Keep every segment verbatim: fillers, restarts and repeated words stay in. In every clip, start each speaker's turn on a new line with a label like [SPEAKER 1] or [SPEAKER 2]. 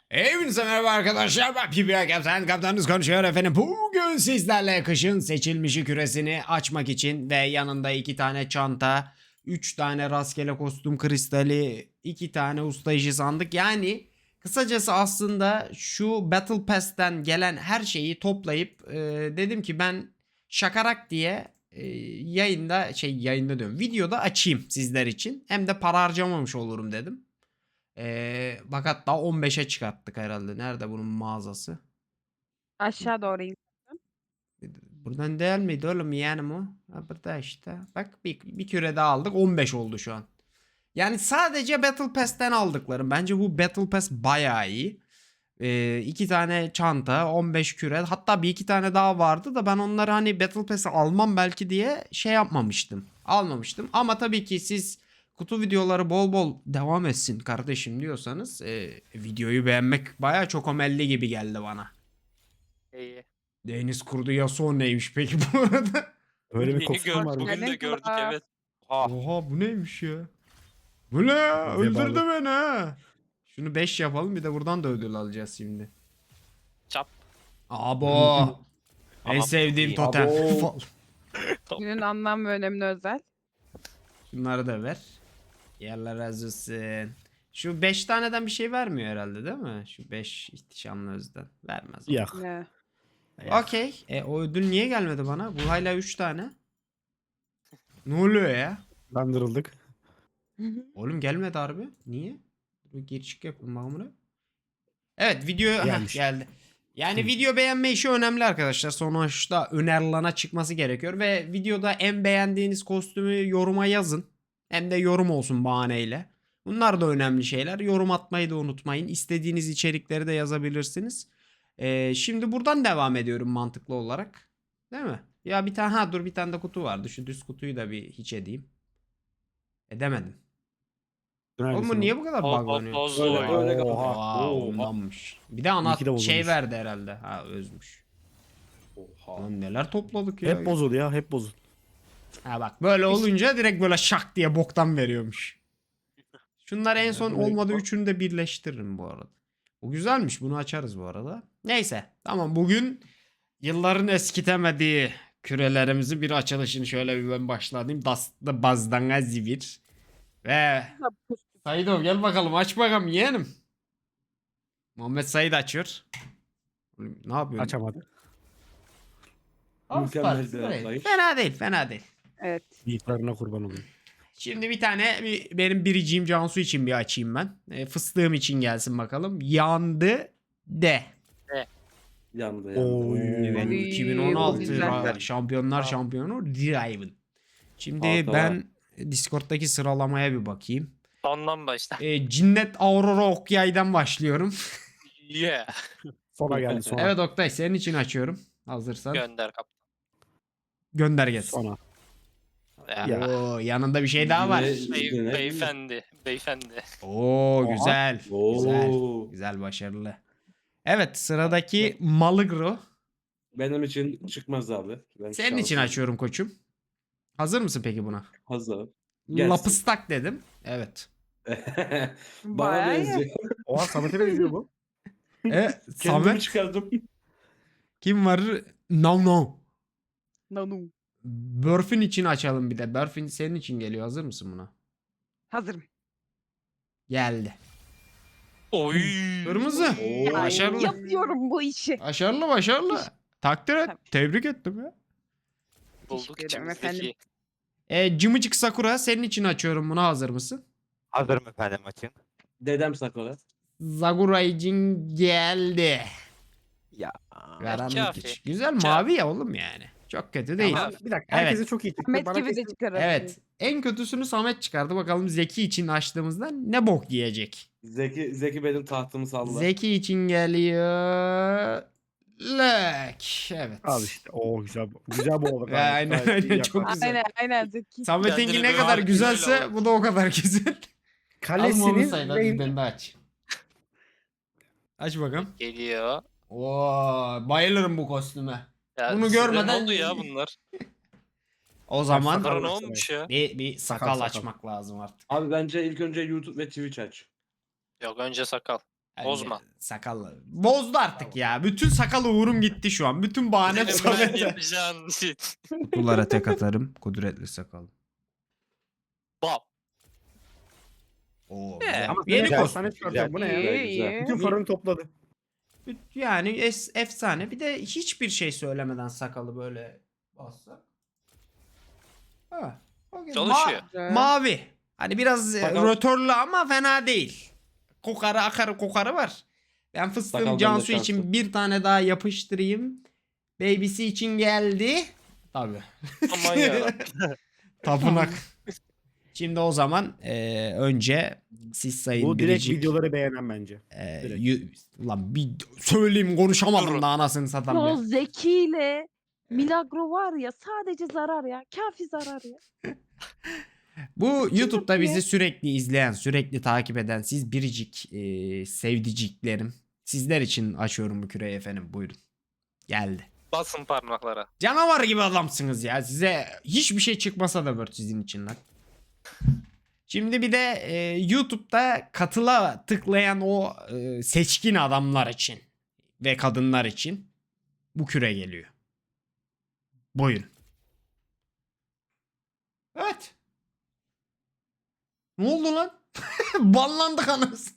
[SPEAKER 1] Hepinize merhaba arkadaşlar. Ben P B A Kaptan. Kaptanınız konuşuyor efendim. Bugün sizlerle kışın seçilmişi küresini açmak için ve yanında iki tane çanta, üç tane rastgele kostüm kristali, iki tane usta işi sandık. Yani kısacası aslında şu Battle Pass'ten gelen her şeyi toplayıp e, dedim ki ben şakarak diye e, yayında şey yayında diyorum videoda açayım sizler için. Hem de para harcamamış olurum dedim. Ee, bak hatta on beşe çıkarttık herhalde. Nerede bunun mağazası?
[SPEAKER 2] Aşağı doğru in.
[SPEAKER 1] Buradan değil miydi oğlum yeğenim o? Ha, burada işte. Bak bir, bir küre daha aldık. on beş oldu şu an. Yani sadece Battle Pass'ten aldıklarım. Bence bu Battle Pass bayağı iyi. Ee, iki tane çanta, on beş küre. Hatta bir iki tane daha vardı da ben onları hani Battle Pass'e almam belki diye şey yapmamıştım. Almamıştım. Ama tabii ki siz kutu videoları bol bol devam etsin kardeşim diyorsanız e, videoyu beğenmek bayağı çok omelli gibi geldi bana.
[SPEAKER 3] İyi.
[SPEAKER 1] Deniz kurdu Yasuo neymiş peki bu arada?
[SPEAKER 4] Öyle bir
[SPEAKER 3] Yeni
[SPEAKER 4] kostüm
[SPEAKER 3] gör,
[SPEAKER 4] var mı?
[SPEAKER 3] bugün de
[SPEAKER 2] Benim
[SPEAKER 3] gördük
[SPEAKER 2] kulağa.
[SPEAKER 3] evet. Ha.
[SPEAKER 1] Oha bu neymiş ya? Bu ne ya?
[SPEAKER 4] Vebalı.
[SPEAKER 1] Öldürdü beni ha. Şunu beş yapalım bir de buradan da ödül alacağız şimdi.
[SPEAKER 3] Çap.
[SPEAKER 1] Abo. En
[SPEAKER 3] Ama
[SPEAKER 1] sevdiğim
[SPEAKER 3] iyi.
[SPEAKER 1] totem.
[SPEAKER 4] Abo.
[SPEAKER 2] Günün anlam ve önemine özel.
[SPEAKER 1] Şunları da ver. Yerler razı olsun. Şu beş taneden bir şey vermiyor herhalde değil mi? Şu beş ihtişamlı özden. Vermez. o.
[SPEAKER 4] Yak.
[SPEAKER 2] Ne?
[SPEAKER 4] yak.
[SPEAKER 1] Okey. E, o ödül niye gelmedi bana? Bu hala üç tane. Ne oluyor ya?
[SPEAKER 4] Kandırıldık.
[SPEAKER 1] Oğlum gelmedi harbi. Niye? Bir geri çık yapalım bakalım buraya. Evet video heh,
[SPEAKER 4] Gelmiş.
[SPEAKER 1] geldi. Yani
[SPEAKER 4] Hı.
[SPEAKER 1] video beğenme işi önemli arkadaşlar. Sonuçta önerilana çıkması gerekiyor. Ve videoda en beğendiğiniz kostümü yoruma yazın. Hem de yorum olsun bahaneyle. Bunlar da önemli şeyler. Yorum atmayı da unutmayın. İstediğiniz içerikleri de yazabilirsiniz. Ee, şimdi buradan devam ediyorum mantıklı olarak. Değil mi? Ya bir tane ha dur bir tane de kutu vardı. Şu düz kutuyu da bir hiç edeyim. Edemedim. Oğlum bu niye bu kadar
[SPEAKER 3] Bo bo
[SPEAKER 1] buglanıyor?
[SPEAKER 3] bozdu
[SPEAKER 4] Öyle,
[SPEAKER 3] oyunu.
[SPEAKER 4] öyle.
[SPEAKER 1] Oha,
[SPEAKER 4] Oha.
[SPEAKER 1] ondanmış. Bir de ana
[SPEAKER 4] İyi ki de
[SPEAKER 1] şey
[SPEAKER 4] bozulmuş.
[SPEAKER 1] verdi herhalde. Ha özmüş. Lan neler topladık ya.
[SPEAKER 4] Hep bozul ya, hep bozul.
[SPEAKER 1] Ha bak böyle olunca direkt böyle şak diye boktan veriyormuş. Şunları en son
[SPEAKER 4] Böyle-
[SPEAKER 1] olmadı üçünü de birleştiririm bu arada. Bu güzelmiş bunu açarız bu arada. Neyse tamam bugün yılların eskitemediği kürelerimizi bir açılışını şöyle bir ben başlayayım. Dastlı bazdanga zivir. Ve Saidov gel bakalım aç bakalım yeğenim. Muhammed Said açıyor. Oğlum, ne yapıyorsun?
[SPEAKER 4] Açamadı.
[SPEAKER 1] Al,
[SPEAKER 5] Mükemmel
[SPEAKER 1] süper,
[SPEAKER 5] bir
[SPEAKER 1] süper.
[SPEAKER 5] atlayış.
[SPEAKER 1] Fena değil fena değil.
[SPEAKER 2] Evet.
[SPEAKER 4] Yiğitlerine kurban olayım.
[SPEAKER 1] Şimdi bir tane bir, benim biriciğim Cansu için bir açayım ben. E, fıstığım için gelsin bakalım. Yandı de.
[SPEAKER 5] Yandı yandı.
[SPEAKER 4] Oy.
[SPEAKER 1] Evet,
[SPEAKER 2] Oy,
[SPEAKER 1] iki bin on altı
[SPEAKER 2] güzel.
[SPEAKER 1] ra- Şampiyonlar Şampiyonu Driven. Şimdi
[SPEAKER 5] Altta
[SPEAKER 1] ben Discord'daki sıralamaya bir bakayım.
[SPEAKER 3] Sondan başla.
[SPEAKER 1] E, Cinnet Aurora Okyay'dan başlıyorum.
[SPEAKER 3] Yeah.
[SPEAKER 4] Sona geldi sona.
[SPEAKER 1] Evet Oktay senin için açıyorum. Hazırsan.
[SPEAKER 3] Gönder kaptan.
[SPEAKER 1] Gönder gelsin.
[SPEAKER 4] Sona.
[SPEAKER 3] Ya.
[SPEAKER 4] Ya.
[SPEAKER 1] Oo, yanında bir şey daha var.
[SPEAKER 5] Yine-
[SPEAKER 3] Bey,
[SPEAKER 5] yine-
[SPEAKER 3] beyefendi. Beyefendi.
[SPEAKER 1] Oo
[SPEAKER 4] Oha.
[SPEAKER 1] güzel. Güzel.
[SPEAKER 5] Oo.
[SPEAKER 1] Güzel başarılı. Evet sıradaki Maligro.
[SPEAKER 5] Benim için çıkmaz abi. Ben
[SPEAKER 1] Senin için
[SPEAKER 5] şanslıyım.
[SPEAKER 1] açıyorum koçum. Hazır mısın peki buna?
[SPEAKER 5] Hazır. Gelsin.
[SPEAKER 1] Lapıstak dedim. Evet.
[SPEAKER 5] Bana
[SPEAKER 2] Bayağı iyi.
[SPEAKER 5] benziyor.
[SPEAKER 4] Oha Samet'e benziyor bu.
[SPEAKER 1] E,
[SPEAKER 5] Kendimi
[SPEAKER 1] Samet
[SPEAKER 5] çıkardım.
[SPEAKER 1] kim var? No no.
[SPEAKER 2] Nanum.
[SPEAKER 1] Burfin için açalım bir de. Burfin senin için geliyor. Hazır mısın buna?
[SPEAKER 2] Hazırım.
[SPEAKER 1] Geldi.
[SPEAKER 3] Oy.
[SPEAKER 1] Kırmızı.
[SPEAKER 5] Oo.
[SPEAKER 1] Başarılı.
[SPEAKER 2] Yapıyorum bu işi.
[SPEAKER 1] Başarılı başarılı. Takdir et.
[SPEAKER 2] Tabii.
[SPEAKER 1] Tebrik ettim ya.
[SPEAKER 3] Bulduk
[SPEAKER 2] Teşekkür ederim
[SPEAKER 3] içimizdeki.
[SPEAKER 1] E, Cımıcık Sakura senin için açıyorum bunu. Hazır mısın?
[SPEAKER 6] Hazırım efendim açın.
[SPEAKER 5] Dedem Sakura.
[SPEAKER 1] Sakura için geldi.
[SPEAKER 6] Ya.
[SPEAKER 1] Karanlık
[SPEAKER 3] kafi.
[SPEAKER 1] iç. Güzel
[SPEAKER 3] Kafi.
[SPEAKER 1] mavi ya oğlum yani. Çok kötü değil.
[SPEAKER 3] Tamam.
[SPEAKER 4] Bir dakika herkese çok iyi çıktı.
[SPEAKER 2] Ahmet
[SPEAKER 4] Bana
[SPEAKER 2] gibi de
[SPEAKER 4] kesin-
[SPEAKER 2] çıkarır.
[SPEAKER 1] Evet. En kötüsünü Samet çıkardı. Bakalım Zeki için açtığımızda ne bok yiyecek.
[SPEAKER 5] Zeki Zeki benim tahtımı salla.
[SPEAKER 1] Zeki için geliyor. Lök. Evet.
[SPEAKER 4] Al işte. Oo güzel. bu- Güzel bu oldu.
[SPEAKER 1] Ya, aynen, aynen, çok güzel.
[SPEAKER 2] Aynen aynen Zeki.
[SPEAKER 1] Samet'inki
[SPEAKER 3] Kendini
[SPEAKER 1] ne
[SPEAKER 3] böyle
[SPEAKER 1] kadar
[SPEAKER 3] harbi
[SPEAKER 1] güzelse
[SPEAKER 3] güzel
[SPEAKER 1] bu da o kadar güzel. Al onu
[SPEAKER 4] Kalesinin
[SPEAKER 1] sayın hadi
[SPEAKER 4] rengi.
[SPEAKER 1] ben de aç. Aç bakalım.
[SPEAKER 3] Geliyor.
[SPEAKER 1] Oo, bayılırım bu kostüme.
[SPEAKER 3] Ya
[SPEAKER 1] Bunu
[SPEAKER 3] size
[SPEAKER 1] görmeden-
[SPEAKER 3] Ne oldu ya bunlar?
[SPEAKER 1] O zaman
[SPEAKER 4] sakal
[SPEAKER 3] Sakara ne
[SPEAKER 4] başlamayın.
[SPEAKER 3] olmuş ya?
[SPEAKER 1] bir, bir sakal,
[SPEAKER 4] Sakal, sakal.
[SPEAKER 1] açmak lazım artık.
[SPEAKER 5] Abi bence ilk önce YouTube ve Twitch aç.
[SPEAKER 3] Yok önce sakal.
[SPEAKER 1] Yani
[SPEAKER 3] Bozma.
[SPEAKER 1] Sakallı. Bozdu artık ya. Bütün sakalı uğurum gitti şu an. Bütün bahanem
[SPEAKER 3] Senin ben
[SPEAKER 1] Samet'e.
[SPEAKER 3] yapacağın şey.
[SPEAKER 1] Kutulara tek atarım. Kudretli sakal.
[SPEAKER 3] Bam.
[SPEAKER 1] Oo,
[SPEAKER 3] Ee,
[SPEAKER 1] güzel.
[SPEAKER 4] Ama
[SPEAKER 1] Yeni
[SPEAKER 4] yeni
[SPEAKER 1] kostüm.
[SPEAKER 4] sana çıkartıyorum. Bu ne ya?
[SPEAKER 2] İyi
[SPEAKER 5] güzel.
[SPEAKER 2] iyi.
[SPEAKER 4] Bütün farını topladı.
[SPEAKER 1] Yani es- efsane. Bir de hiçbir şey söylemeden sakalı böyle bassa. Ha. okey.
[SPEAKER 3] Çalışıyor.
[SPEAKER 2] Güzel.
[SPEAKER 1] mavi. Hani biraz e,
[SPEAKER 5] Sakal-
[SPEAKER 1] rötorlu ama fena değil. Kokarı akarı kokarı var. Ben fıstığım
[SPEAKER 5] Sakaldan da
[SPEAKER 1] Cansu
[SPEAKER 5] şanslı.
[SPEAKER 1] için bir tane daha yapıştırayım. Baby'si için geldi. Tabii.
[SPEAKER 3] Aman yarabbim.
[SPEAKER 1] Tapınak. Şimdi o zaman e, önce siz sayın
[SPEAKER 4] Bu direkt
[SPEAKER 1] biricik.
[SPEAKER 4] videoları beğenen bence.
[SPEAKER 1] e,
[SPEAKER 4] direkt.
[SPEAKER 1] yu- Ulan bir söyleyeyim konuşamadım
[SPEAKER 3] Durun.
[SPEAKER 1] da anasını satam
[SPEAKER 2] O
[SPEAKER 1] ya.
[SPEAKER 2] Zeki ile Milagro var ya sadece zarar ya. Kafi zarar ya.
[SPEAKER 1] Bu YouTube'da
[SPEAKER 2] yapıyor?
[SPEAKER 1] bizi sürekli izleyen, sürekli takip eden siz biricik e, sevdiciklerim. Sizler için açıyorum bu küreyi efendim. Buyurun. Geldi.
[SPEAKER 3] Basın parmaklara.
[SPEAKER 1] Canavar gibi adamsınız ya. Size hiçbir şey çıkmasa da Word sizin için lan. Şimdi bir de e, YouTube'da katıla tıklayan o e, seçkin adamlar için ve kadınlar için bu küre geliyor. Buyurun. Evet. Ne oldu lan? Banlandık anasını.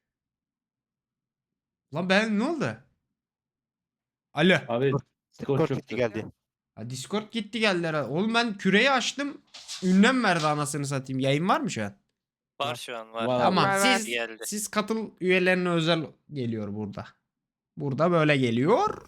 [SPEAKER 1] Lan ben ne oldu? Alo.
[SPEAKER 5] Abi skor
[SPEAKER 6] Skor
[SPEAKER 5] çöktü.
[SPEAKER 6] gitti geldi.
[SPEAKER 1] Ha, Discord gitti geldi herhalde. Oğlum ben küreyi açtım. Ünlem verdi anasını satayım. Yayın var mı şu an?
[SPEAKER 3] Var şu an var.
[SPEAKER 5] Var.
[SPEAKER 1] Tamam.
[SPEAKER 2] Var, var.
[SPEAKER 1] Siz
[SPEAKER 3] Geldi.
[SPEAKER 1] siz katıl üyelerine özel geliyor burada. Burada böyle geliyor.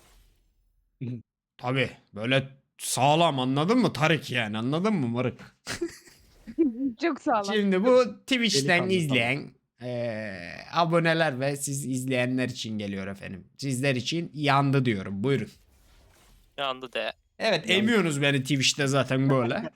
[SPEAKER 1] Tabi böyle sağlam anladın mı Tarık yani anladın mı Marık?
[SPEAKER 2] Çok sağlam.
[SPEAKER 1] Şimdi bu Twitch'ten
[SPEAKER 4] Delikanlı,
[SPEAKER 1] izleyen eee, aboneler ve siz izleyenler için geliyor efendim. Sizler için yandı diyorum buyurun.
[SPEAKER 3] Yandı de.
[SPEAKER 1] Evet emiyorsunuz beni Twitch'te zaten böyle.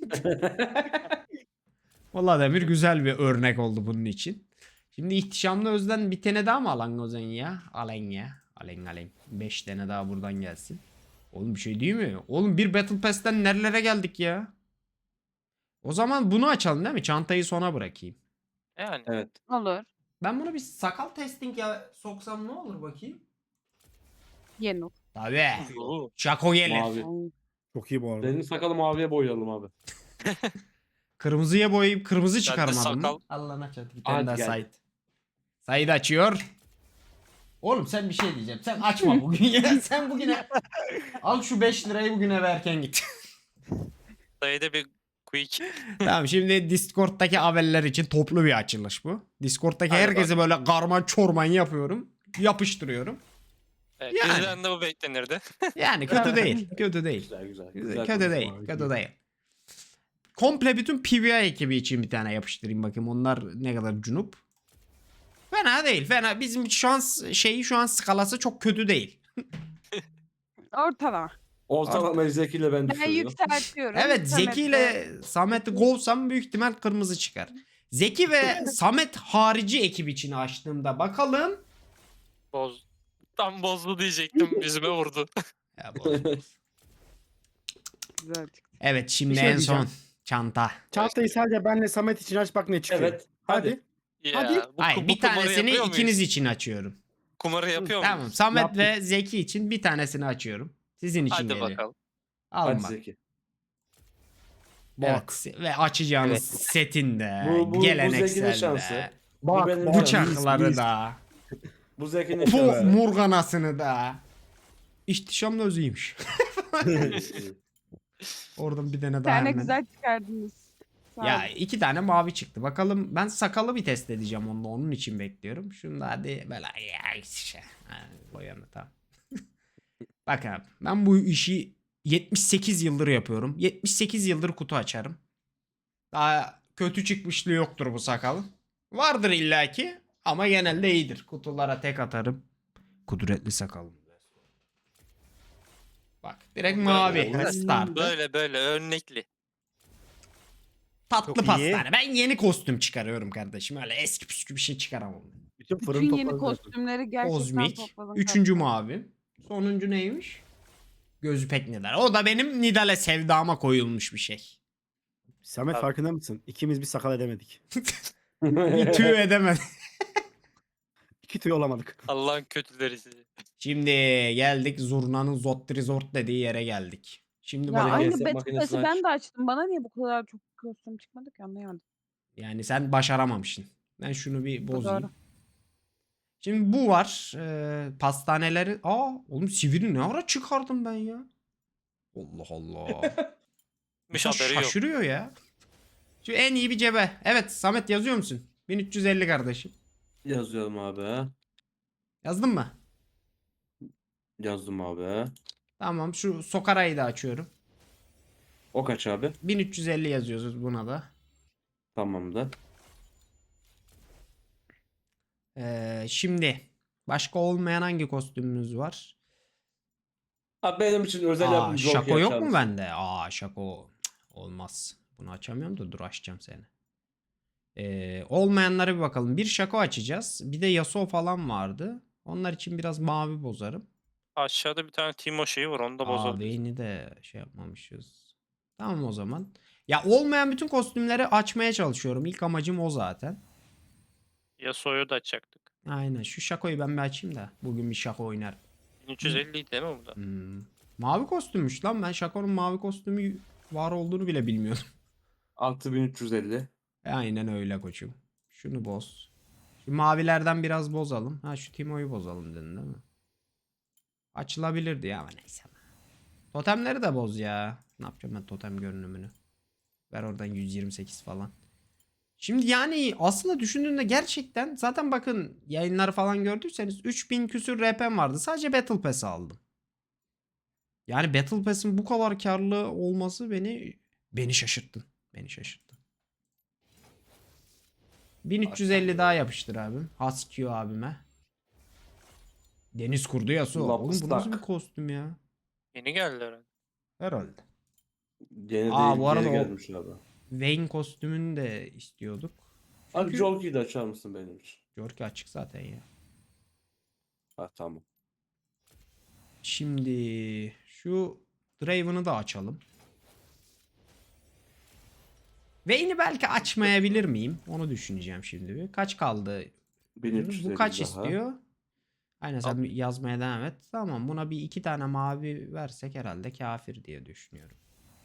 [SPEAKER 1] Vallahi Demir güzel bir örnek oldu bunun için. Şimdi ihtişamlı özden bir tane daha mı alan o zaman ya? Alen ya. Alen alen. beş tane daha buradan gelsin. Oğlum bir şey değil mi? Oğlum bir Battle Pass'ten nerelere geldik ya? O zaman bunu açalım değil mi? Çantayı sona bırakayım.
[SPEAKER 3] Yani.
[SPEAKER 5] Evet.
[SPEAKER 2] Olur.
[SPEAKER 1] Ben bunu bir sakal testing ya soksam ne olur bakayım?
[SPEAKER 2] Yeni.
[SPEAKER 1] Tabii.
[SPEAKER 3] Oo.
[SPEAKER 1] Şako gelir.
[SPEAKER 5] Mavi.
[SPEAKER 4] Çok iyi bu arada.
[SPEAKER 5] Benim sakalı maviye boyayalım abi.
[SPEAKER 1] Kırmızıya boyayıp kırmızı
[SPEAKER 3] de
[SPEAKER 1] çıkarmadım
[SPEAKER 3] sakal.
[SPEAKER 1] mı? Allah'ına çatı bir tane
[SPEAKER 5] Hadi
[SPEAKER 1] daha
[SPEAKER 5] gel.
[SPEAKER 1] Said. Said açıyor. Oğlum sen bir şey diyeceğim. Sen açma bugün ya. Sen bugüne al şu beş lirayı bugün eve erken git.
[SPEAKER 3] Dayıda bir quick.
[SPEAKER 1] Tamam şimdi Discord'daki haberler için toplu bir açılış bu. Discord'daki
[SPEAKER 3] Hadi
[SPEAKER 1] herkese böyle karman çorman yapıyorum. Yapıştırıyorum.
[SPEAKER 3] Evet,
[SPEAKER 1] Yani.
[SPEAKER 3] bizden de bu beklenirdi.
[SPEAKER 1] Yani kötü değil. Kötü değil.
[SPEAKER 5] Güzel güzel.
[SPEAKER 1] Güzel,
[SPEAKER 5] güzel
[SPEAKER 1] kötü
[SPEAKER 5] konuşma
[SPEAKER 1] değil.
[SPEAKER 4] abi,
[SPEAKER 1] Kötü
[SPEAKER 4] güzel.
[SPEAKER 1] değil. Komple bütün P V I ekibi için bir tane yapıştırayım bakayım. Onlar ne kadar cunup. Fena değil. Fena. Bizim şans şeyi şu an skalası çok kötü değil.
[SPEAKER 2] Ortalama.
[SPEAKER 5] Ortalama Zeki ile ben
[SPEAKER 2] Ben
[SPEAKER 5] düşürüyorum.
[SPEAKER 2] yükseltiyorum.
[SPEAKER 1] Evet
[SPEAKER 2] Samet
[SPEAKER 1] Zeki
[SPEAKER 2] de-
[SPEAKER 1] ile Samet'i kovsam büyük ihtimal kırmızı çıkar. Zeki ve Samet harici ekip için açtığımda bakalım.
[SPEAKER 3] Boz. Tam bozdu diyecektim. Yüzüme vurdu.
[SPEAKER 1] Ya bu-
[SPEAKER 2] Güzel çıktı.
[SPEAKER 1] Evet şimdi
[SPEAKER 4] Bir şey
[SPEAKER 1] en son
[SPEAKER 4] diyeceğim.
[SPEAKER 1] çanta.
[SPEAKER 4] Çantayı sadece benle Samet için aç bak ne çıkıyor.
[SPEAKER 5] Evet.
[SPEAKER 4] Hadi.
[SPEAKER 3] Ya,
[SPEAKER 4] Hadi.
[SPEAKER 3] Bu,
[SPEAKER 1] Hayır
[SPEAKER 3] bu
[SPEAKER 1] bir
[SPEAKER 3] kumarı
[SPEAKER 1] tanesini
[SPEAKER 3] yapıyor muyuz?
[SPEAKER 1] ikiniz için açıyorum.
[SPEAKER 3] Kumarı yapıyor
[SPEAKER 1] Tamam
[SPEAKER 3] muyuz?
[SPEAKER 1] Samet
[SPEAKER 4] Yaptık.
[SPEAKER 1] ve Zeki için bir tanesini açıyorum. Sizin için
[SPEAKER 3] Hadi
[SPEAKER 1] geliyor.
[SPEAKER 3] bakalım.
[SPEAKER 1] Alın
[SPEAKER 5] Hadi
[SPEAKER 1] bak.
[SPEAKER 5] Zeki.
[SPEAKER 1] Evet, se- ve açacağınız
[SPEAKER 6] Evet.
[SPEAKER 1] setinde,
[SPEAKER 5] Bu- bu- bu
[SPEAKER 1] gelenekselde,
[SPEAKER 5] Zeki'nin şansı.
[SPEAKER 4] Bak
[SPEAKER 5] benim
[SPEAKER 4] bak.
[SPEAKER 1] bıçakları
[SPEAKER 4] Biz-
[SPEAKER 1] da,
[SPEAKER 5] Bu Zeki'nin
[SPEAKER 1] bu
[SPEAKER 5] şansı.
[SPEAKER 1] murganasını da. İhtişamlı özüymüş. Oradan bir tane
[SPEAKER 2] Bir
[SPEAKER 1] daha
[SPEAKER 2] tane
[SPEAKER 1] hemen.
[SPEAKER 2] güzel çıkardınız. Sağ
[SPEAKER 1] Ya
[SPEAKER 2] olun.
[SPEAKER 1] iki tane mavi çıktı. Bakalım ben sakalı bir test edeceğim onunla. Onun için bekliyorum. Şunu da hadi böyle ya işte. Ha, boyanı tamam. Bak abi ben bu işi yetmiş sekiz yıldır yapıyorum. yetmiş sekiz yıldır kutu açarım. Daha kötü çıkmışlığı yoktur bu sakalın. Vardır illaki ama genelde iyidir. Kutulara tek atarım. Kudretli sakalım. Bak direkt mavi.
[SPEAKER 3] Böyle.
[SPEAKER 1] Start.
[SPEAKER 3] Böyle böyle örnekli.
[SPEAKER 1] Tatlı
[SPEAKER 4] Çok iyi.
[SPEAKER 1] pastane. Ben yeni kostüm çıkarıyorum kardeşim. Öyle eski püskü bir şey çıkaramam.
[SPEAKER 4] Bütün fırın
[SPEAKER 2] Bütün yeni
[SPEAKER 4] topladı.
[SPEAKER 2] kostümleri gerçekten
[SPEAKER 1] Kozmik.
[SPEAKER 2] topladım.
[SPEAKER 1] Üçüncü
[SPEAKER 2] zaten.
[SPEAKER 1] mavi. Sonuncu neymiş? Gözü pek Nidal. O da benim Nidal'e sevdama koyulmuş bir şey.
[SPEAKER 4] Samet
[SPEAKER 3] Tabii.
[SPEAKER 4] farkında mısın? İkimiz bir sakal edemedik.
[SPEAKER 1] Bir tüy edemedi.
[SPEAKER 4] Fito'yu olamadık.
[SPEAKER 3] Allah'ın kötüleri sizi.
[SPEAKER 1] Şimdi geldik Zurna'nın Zot Resort dediği yere geldik. Şimdi
[SPEAKER 2] Ya
[SPEAKER 5] Bana
[SPEAKER 1] bakacağız.
[SPEAKER 2] aynı
[SPEAKER 5] hesap
[SPEAKER 2] Battle
[SPEAKER 5] makinesini
[SPEAKER 2] Pass'i ben
[SPEAKER 5] aç.
[SPEAKER 2] de açtım. Bana niye bu kadar çok kostüm çıkmadı ki anlayamadım.
[SPEAKER 1] Yani sen başaramamışsın. Ben şunu bir
[SPEAKER 2] Bu
[SPEAKER 1] bozayım.
[SPEAKER 2] doğru.
[SPEAKER 1] Şimdi bu var. Ee, pastaneleri. Aa oğlum sivri ne ara çıkardım ben ya? Allah Allah.
[SPEAKER 3] Miş
[SPEAKER 1] İnsan
[SPEAKER 3] haberi yok.
[SPEAKER 1] şaşırıyor ya. Şu en iyi bir cebe. Evet Samet yazıyor musun? bin üç yüz elli kardeşim.
[SPEAKER 5] Yazıyorum abi.
[SPEAKER 1] Yazdın mı?
[SPEAKER 5] Yazdım abi.
[SPEAKER 1] Tamam şu Sokara'yı da açıyorum.
[SPEAKER 5] O kaç abi?
[SPEAKER 1] bin üç yüz elli yazıyoruz buna da.
[SPEAKER 5] Tamamdır.
[SPEAKER 1] Ee, şimdi başka olmayan hangi kostümümüz var?
[SPEAKER 5] Abi benim için özel
[SPEAKER 1] Aa,
[SPEAKER 5] yapım Jockey
[SPEAKER 1] Şako yok
[SPEAKER 5] açar
[SPEAKER 1] mu
[SPEAKER 5] mısın?
[SPEAKER 1] bende? Aa Şako Cık, olmaz. Bunu açamıyorum da dur açacağım seni. Ee, olmayanlara bir bakalım. Bir Şako açacağız. Bir de Yasuo falan vardı. Onlar için biraz mavi bozarım.
[SPEAKER 3] Aşağıda bir tane Timo şeyi var onu da
[SPEAKER 1] Aa
[SPEAKER 3] bozabiliriz.
[SPEAKER 1] Vayne'i de şey yapmamışız. Tamam o zaman. Ya olmayan bütün kostümleri açmaya çalışıyorum. İlk amacım o zaten.
[SPEAKER 3] Yasuo'yu da açacaktık.
[SPEAKER 1] Aynen şu Şako'yu ben bir açayım da. Bugün bir Şako oynarım.
[SPEAKER 3] bin üç yüz elli değil mi bu da?
[SPEAKER 1] Hmm. Mavi kostümmüş lan. Ben Şako'nun mavi kostümü var olduğunu bile bilmiyordum.
[SPEAKER 5] altı bin üç yüz elli.
[SPEAKER 1] E, aynen öyle koçum. Şunu boz. Şu mavilerden biraz bozalım. Ha şu Timo'yu bozalım dedin değil mi? Açılabilirdi ya ama neyse. Totemleri de boz ya. Ne yapacağım ben totem görünümünü? Ver oradan yüz yirmi sekiz falan. Şimdi yani aslında düşündüğünde gerçekten zaten bakın yayınları falan gördüyseniz üç bin küsür R P'm vardı. Sadece Battle Pass'i aldım. Yani Battle Pass'in bu kadar karlı olması beni beni şaşırttı. Beni şaşırttı. bin üç yüz elli daha yapıştır abim. Husky abime. Deniz kurdu Yasuo. Oğlum bu nasıl
[SPEAKER 5] Lapstak.
[SPEAKER 1] bir kostüm ya?
[SPEAKER 3] Yeni geldi herhalde.
[SPEAKER 1] Herhalde.
[SPEAKER 5] Yeni
[SPEAKER 1] Aa,
[SPEAKER 5] değil,
[SPEAKER 1] bu arada
[SPEAKER 5] geri
[SPEAKER 1] o-
[SPEAKER 5] gelmiş abi.
[SPEAKER 1] Vayne kostümünü de istiyorduk.
[SPEAKER 5] Abi
[SPEAKER 1] Çünkü-
[SPEAKER 5] Jockey'i de açar mısın benim için?
[SPEAKER 1] Jorki açık zaten ya.
[SPEAKER 5] Ha tamam.
[SPEAKER 1] Şimdi şu Draven'ı da açalım. Vayne'i belki açmayabilir miyim? Onu düşüneceğim şimdi bir. Kaç kaldı?
[SPEAKER 5] bin üç yüz elli
[SPEAKER 1] Bu kaç
[SPEAKER 5] daha.
[SPEAKER 1] istiyor? Aynen sen bir yazmaya devam et. Tamam buna bir iki tane mavi versek herhalde kafir diye düşünüyorum.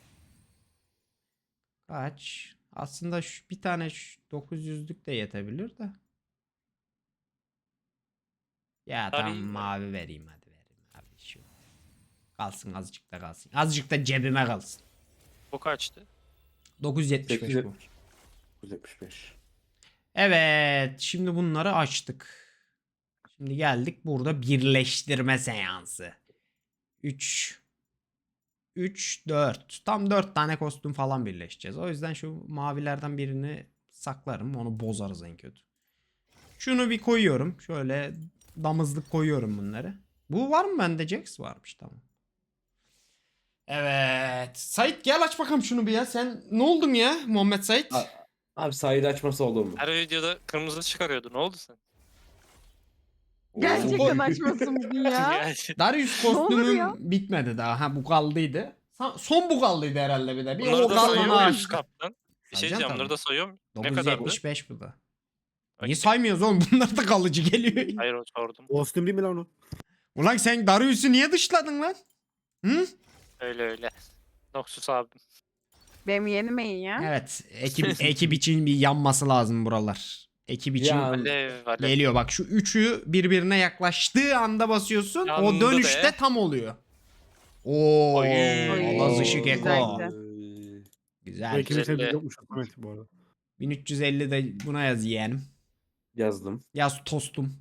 [SPEAKER 1] Kaç? Aslında şu, bir tane şu dokuz yüzlük de yetebilir de. Ya tamam
[SPEAKER 3] Arayayım mı?
[SPEAKER 1] mavi vereyim hadi vereyim abi şu. Kalsın azıcık da kalsın. Azıcık da cebime kalsın.
[SPEAKER 3] Bu kaçtı?
[SPEAKER 1] dokuz yüz yetmiş beş bu.
[SPEAKER 5] dokuz yüz yetmiş beş.
[SPEAKER 1] Evet, şimdi bunları açtık. Şimdi geldik burada birleştirme seansı. üç üç dört. Tam dört tane kostüm falan birleşeceğiz. O yüzden şu mavilerden birini saklarım. Onu bozarız en kötü. Şunu bir koyuyorum. Şöyle damızlık koyuyorum bunları. Bu var mı bende Jax? Varmış tamam. Evet. Sait gel aç bakalım şunu bir ya. Sen ne oldun ya Muhammed Sait?
[SPEAKER 5] Ha. Abi Said açması olur mu?
[SPEAKER 3] Her videoda kırmızı çıkarıyordu. Ne oldu sen?
[SPEAKER 2] Gerçekten
[SPEAKER 5] Oo.
[SPEAKER 2] açmasın bugün ya.
[SPEAKER 3] Yani
[SPEAKER 1] Darius
[SPEAKER 2] Ne olur
[SPEAKER 1] kostümüm
[SPEAKER 2] ya?
[SPEAKER 1] bitmedi daha. Ha bu kaldıydı. Sa- Son bu kaldıydı herhalde bir de. Bir
[SPEAKER 3] bunları
[SPEAKER 1] o
[SPEAKER 3] da
[SPEAKER 1] kalanı
[SPEAKER 3] sayıyor muyuz
[SPEAKER 1] açtık.
[SPEAKER 3] kaptan? Bir şey
[SPEAKER 1] Sayacağım
[SPEAKER 3] diyeceğim.
[SPEAKER 1] tabii.
[SPEAKER 3] Bunları da sayıyor muyum? Ne
[SPEAKER 1] dokuz yüz
[SPEAKER 3] kadardı?
[SPEAKER 1] yetmiş beş bu da.
[SPEAKER 3] Okey.
[SPEAKER 1] Niye saymıyoruz oğlum? Bunlar da kalıcı geliyor.
[SPEAKER 3] Hayır o sordum.
[SPEAKER 4] Kostüm değil mi lan o?
[SPEAKER 1] Ulan sen Darius'u niye dışladın lan? Hı?
[SPEAKER 3] Öyle öyle. Noxus abim.
[SPEAKER 2] Benim yeni main ya.
[SPEAKER 1] Evet. Ekip, ekip için bir yanması lazım buralar. Ekip için
[SPEAKER 5] Ya,
[SPEAKER 3] Alev alev.
[SPEAKER 1] geliyor. Bak şu üçü birbirine yaklaştığı anda basıyorsun.
[SPEAKER 3] Yandı
[SPEAKER 1] o dönüşte
[SPEAKER 3] be.
[SPEAKER 1] tam oluyor. Oo,
[SPEAKER 3] Oy.
[SPEAKER 1] Allah zışık
[SPEAKER 2] Güzel,
[SPEAKER 1] eko.
[SPEAKER 2] güzel.
[SPEAKER 5] Oy.
[SPEAKER 1] Güzel.
[SPEAKER 4] Belki bir
[SPEAKER 3] güzel.
[SPEAKER 4] sevdiği yokmuş Samet bu arada.
[SPEAKER 1] bin üç yüz elli de buna yaz yeğenim.
[SPEAKER 5] Yazdım.
[SPEAKER 1] Yaz tostum.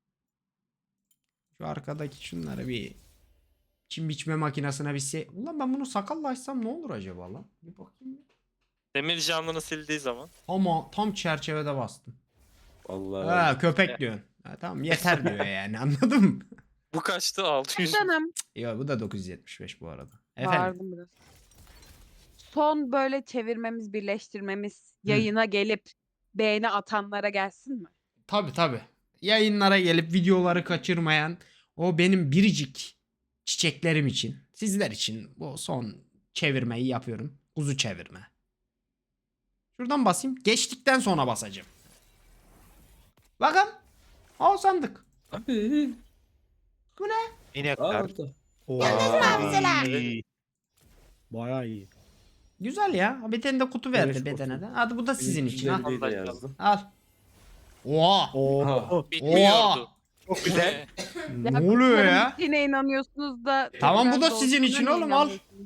[SPEAKER 1] Şu arkadaki şunları bir çim biçme makinesine bir şey. Ulan ben bunu sakalla açsam ne olur acaba lan? Bir bakayım. bir.
[SPEAKER 3] Demir canlını sildiği zaman.
[SPEAKER 1] Ama tam çerçevede bastım.
[SPEAKER 5] Vallahi.
[SPEAKER 1] Ha köpek diyorsun. Ha, tamam yeter diyor yani anladın mı?
[SPEAKER 3] Bu kaçtı? altı yüz.
[SPEAKER 2] Canım.
[SPEAKER 1] Yo bu da dokuz yüz yetmiş beş bu arada. Efendim.
[SPEAKER 2] Bağırdım biraz. Son böyle çevirmemiz, birleştirmemiz yayına gelip beğeni atanlara gelsin mi?
[SPEAKER 1] Tabi tabi. Yayınlara gelip videoları kaçırmayan o benim biricik çiçeklerim için, sizler için bu son çevirmeyi yapıyorum. Kuzu çevirme. Şuradan basayım. Geçtikten sonra basacağım. Bakın. Al sandık.
[SPEAKER 5] Abi.
[SPEAKER 6] İnekler.
[SPEAKER 5] Aldı.
[SPEAKER 6] Ay.
[SPEAKER 4] Bayağı iyi.
[SPEAKER 1] Güzel ya. Bir tane de kutu verdi
[SPEAKER 5] Dönüş
[SPEAKER 1] bedene
[SPEAKER 5] kutu.
[SPEAKER 1] de. Hadi bu da sizin için. Al.
[SPEAKER 5] yüz elliyi de yazdım.
[SPEAKER 1] Al. Oha.
[SPEAKER 4] Oo.
[SPEAKER 5] Ha.
[SPEAKER 3] Bitmiyordu.
[SPEAKER 6] Çok güzel.
[SPEAKER 1] Ne oluyor
[SPEAKER 2] kutuların
[SPEAKER 1] ya?
[SPEAKER 2] bittiğine inanıyorsunuz da.
[SPEAKER 1] Tamam, bu
[SPEAKER 2] tekrar
[SPEAKER 1] da sizin için
[SPEAKER 2] dolduğuna
[SPEAKER 1] oğlum, al.
[SPEAKER 2] inanmıyorsunuz.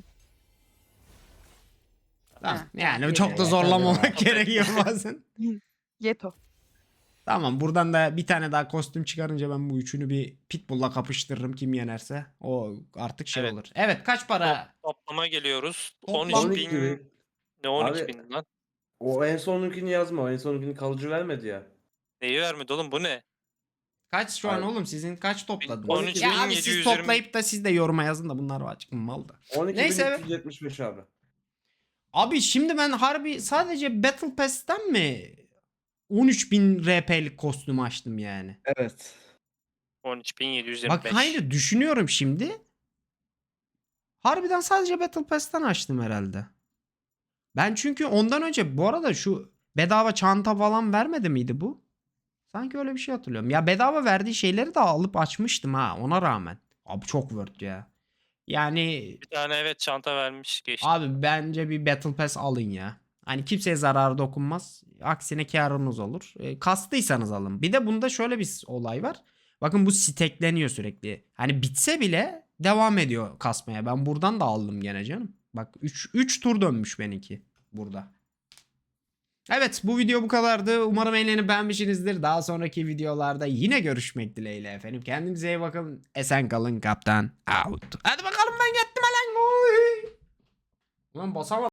[SPEAKER 1] Tamam.
[SPEAKER 2] Ha,
[SPEAKER 1] Yani çok da zorlamamak gerekiyor bazen.
[SPEAKER 2] Yeto.
[SPEAKER 1] Tamam, buradan da bir tane daha kostüm çıkarınca ben bu üçünü bir Pitbull'la kapıştırırım, kim yenerse. O artık şey
[SPEAKER 3] Evet.
[SPEAKER 1] olur. Evet, kaç para?
[SPEAKER 3] Toplama geliyoruz.
[SPEAKER 1] Toplam-
[SPEAKER 3] on
[SPEAKER 5] on
[SPEAKER 3] üç
[SPEAKER 5] iki
[SPEAKER 3] bin.
[SPEAKER 5] bin.
[SPEAKER 3] Ne on iki
[SPEAKER 5] Abi-
[SPEAKER 3] bin lan?
[SPEAKER 5] O en sonunkini yazma. O en sonunkini kalıcı vermedi ya.
[SPEAKER 3] Neyi vermedi oğlum bu ne?
[SPEAKER 1] Kaç şu an
[SPEAKER 5] Abi.
[SPEAKER 1] oğlum, sizin kaç topladınız?
[SPEAKER 3] on üç
[SPEAKER 1] Ya
[SPEAKER 3] bin
[SPEAKER 1] abi
[SPEAKER 3] yedi
[SPEAKER 1] siz
[SPEAKER 3] yüz yirmi.
[SPEAKER 1] toplayıp da siz de yoruma yazın da bunlar açık mal da.
[SPEAKER 5] on iki
[SPEAKER 1] Neyse.
[SPEAKER 5] bin üç yüz yetmiş beş abi.
[SPEAKER 1] Abi şimdi ben harbi sadece Battle Pass'ten mi on üç bin R P'lik kostüm açtım yani.
[SPEAKER 5] Evet.
[SPEAKER 3] on üç bin yedi yüz yirmi
[SPEAKER 1] Bak
[SPEAKER 3] beş.
[SPEAKER 1] hayır, düşünüyorum şimdi. Harbiden sadece Battle Pass'ten açtım herhalde. Ben çünkü ondan önce bu arada şu bedava çanta falan vermedi miydi bu? Sanki öyle bir şey hatırlıyorum. Ya bedava verdiği şeyleri de alıp açmıştım ha, ona rağmen. Abi çok worth ya. Yani
[SPEAKER 3] Bir tane evet çanta vermiş geçti.
[SPEAKER 1] abi bence bir Battle Pass alın ya. Hani kimseye zararı dokunmaz. Aksine karınız olur. E, kastıysanız alın. Bir de bunda şöyle bir olay var. Bakın bu stekleniyor sürekli. Hani bitse bile devam ediyor kasmaya. Ben buradan da aldım gene canım. Bak üç üç tur dönmüş benimki burada. Evet, bu video bu kadardı. Umarım eğlenip beğenmişsinizdir. Daha sonraki videolarda yine görüşmek dileğiyle efendim. Kendinize iyi bakın. Esen kalın kaptan. Out. Hadi bakalım, ben gittim lan. Ulan basamadım.